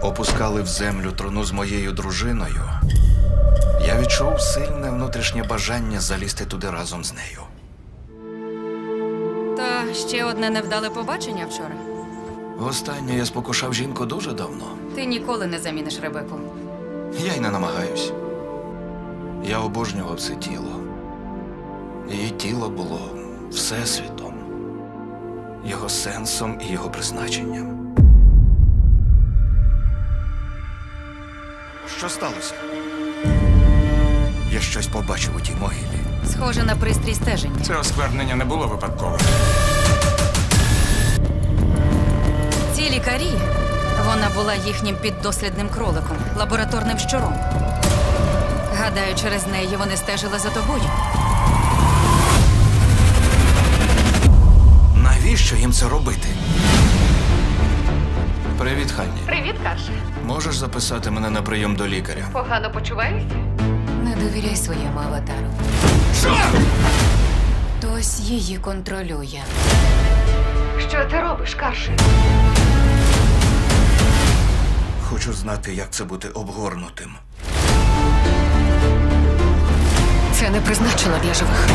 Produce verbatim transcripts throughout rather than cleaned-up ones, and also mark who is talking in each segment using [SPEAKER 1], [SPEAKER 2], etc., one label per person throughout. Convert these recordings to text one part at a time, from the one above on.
[SPEAKER 1] опускали в землю труну з моєю дружиною, я відчув сильне внутрішнє бажання залізти туди разом з нею.
[SPEAKER 2] Та ще одне невдале побачення вчора.
[SPEAKER 1] Востаннє я спокушав жінку дуже давно.
[SPEAKER 2] Ти ніколи не заміниш Ребеку.
[SPEAKER 1] Я й не намагаюсь. Я обожнював це тіло. Її тіло було всесвітом, його сенсом і його призначенням. Що сталося? Я щось побачив у тій могилі.
[SPEAKER 2] Схоже на пристрій стеження.
[SPEAKER 3] Це осквернення не було випадковим.
[SPEAKER 2] Ці лікарі, вона була їхнім піддослідним кроликом, лабораторним щуром. Гадаю, через неї вони стежили за тобою.
[SPEAKER 1] Навіщо їм це робити? Привіт, Ханні.
[SPEAKER 4] Привіт, Карше.
[SPEAKER 1] Можеш записати мене на прийом до лікаря?
[SPEAKER 4] Погано почуваєшся?
[SPEAKER 2] Не довіряй своєму аватару.
[SPEAKER 1] Що?
[SPEAKER 2] Хтось її контролює.
[SPEAKER 4] Що ти робиш, Карше?
[SPEAKER 1] Хочу знати, як це бути обгорнутим.
[SPEAKER 2] Це не призначено для живих.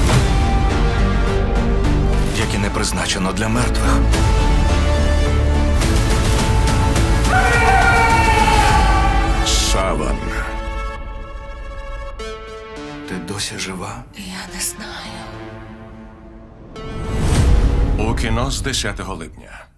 [SPEAKER 1] Як і не призначено для мертвих.
[SPEAKER 3] Саван.
[SPEAKER 1] Ти досі жива?
[SPEAKER 2] Я не знаю.
[SPEAKER 3] У кіно з десятого липня.